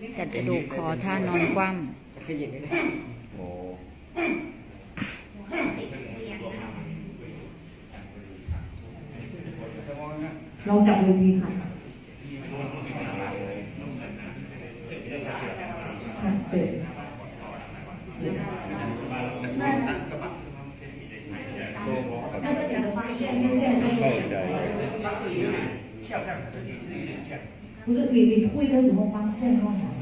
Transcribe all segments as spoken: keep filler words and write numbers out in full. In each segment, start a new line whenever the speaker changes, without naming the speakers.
จัดกระดูกคอท่านอนคว่
จะขยิบได้เลยโอ้
ลองจับดูทีค่ะเปิด那个你的发现跟现在不是你你推的时候发现到哪？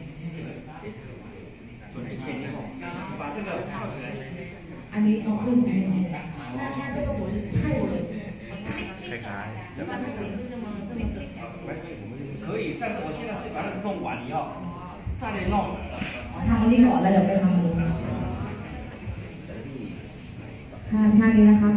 อันนี้เอาขึ้นไป那它这个我是太稳
คล้ายๆ
一般的水是这么这么整
可以，但是我现在是把它弄完以后再来弄。
ทำอันนี้ก่อนแล้วเดี๋ยวไปทำอันนู้นท่าท่านี้นะคะ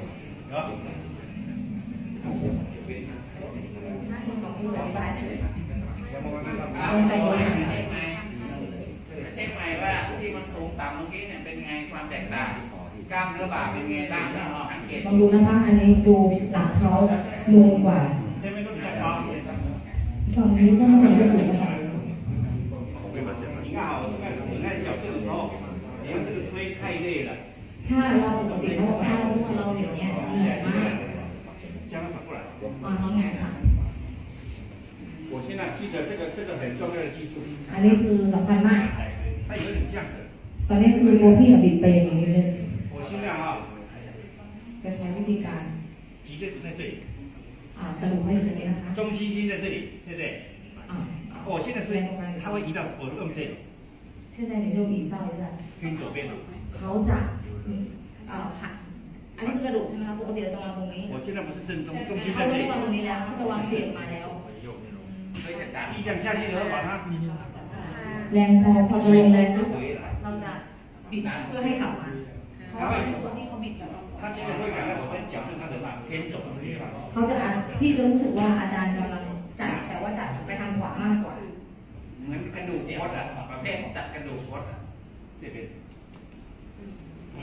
ต้องใจเย็น
เช็คไหมเช็คไหมว่าที่มันสูงต่ำเมื่อกี้เนี่ยเป็นไงความแตกต่างกล้ามเนื้อบ่าเป็นไงบ้างสังเกต
ลองดูนะคะอันนี้ดูหลังเขานูนกว่า
这边都比较高。
ฝั่งนี้ก็น่าจะสูงกว่า
你看啊，我看你在脚这个时候，你看这个推太累了，
ถ้าเราปกติเราถ้าเราอย่างเงี้ยเหนื่อยมาก
将它反过来。
อ่อนน้องไงค่ะ
我现在记得这个这个很重要的技术，
อันนี้คือสำคัญมาก
它有点这样子。
ตอนนี้คือตัวพี่กับบิดไปอย่างนี้นิดนึง
我尽量啊，
จะใช้วิธีการ
脊椎不在这里，
อ่ากระดูกให้ตรงนี้นะคะ
中心心在这里，对不对？
อ่า
我现在是它会移到我用这里，
现在你就引到一下
偏左边了。
เขาจะเอ่อหักอันนี้คือกระดูกใช่ไหมคะปกติเราจะวางตรงนี้
我现在不是正中，中心
เขา
在
จะ
这
ไม่วางตรง
里，
นี้แล้วเขาจะวางเสียบมาแล้ว
เคยจัดการ
力量下去以后把它
แรงพอพอจะลงแรงปุ๊บ
回来。
เราจะบิดเพื่อให้กลับมาเพราะว่าส่วนที่เขาบิดแบบ
他现在会感到我在脚跟他的嘛偏左的地方。
เขาจะอ่ะพี่จะรู้สึกว่าอาจารย์กำลังจัดแต่ว่าจัดไปทางขวามากกว่า
เหมือนกระดูกคดอ่ะประเภทตัดกระดูกคดอ่ะ
这边。嗯。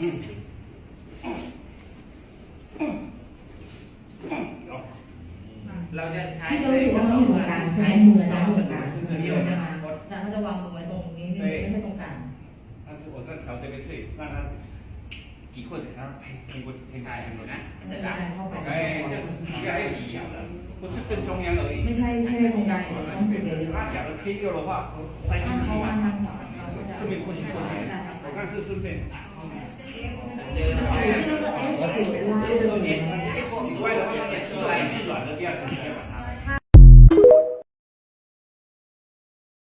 有。
เราจะใช้
พี่จะรู้สึกว่ามันอยู่ตรงกลางใช้มืออาจารย์อยู่ตรงกลางเดียวนะคะอาจารย์เขาจะวางมือไว้ตรงนี้ไม่ใช่ตรงกลาง
但是我在调这边对，让他挤或者他偏偏过偏
ใช่
开。
นะจะ
ดั
ดั
น
น
เข้าไป
哎，这这还有技巧的，不是正中央而已。
ไม่ใช่แค่ตรงกลางอย่างเดียวต้องฝึกเยอะ
他假如偏右的话，塞
ๆ
进
ถ้า
去
เขาวาง
嘛
ทางขวาเราก็จะ
顺便过去过去。我看是顺便。
เจอ
หรือ是那个 S 九拉是
以外的话，气来气软的不要紧。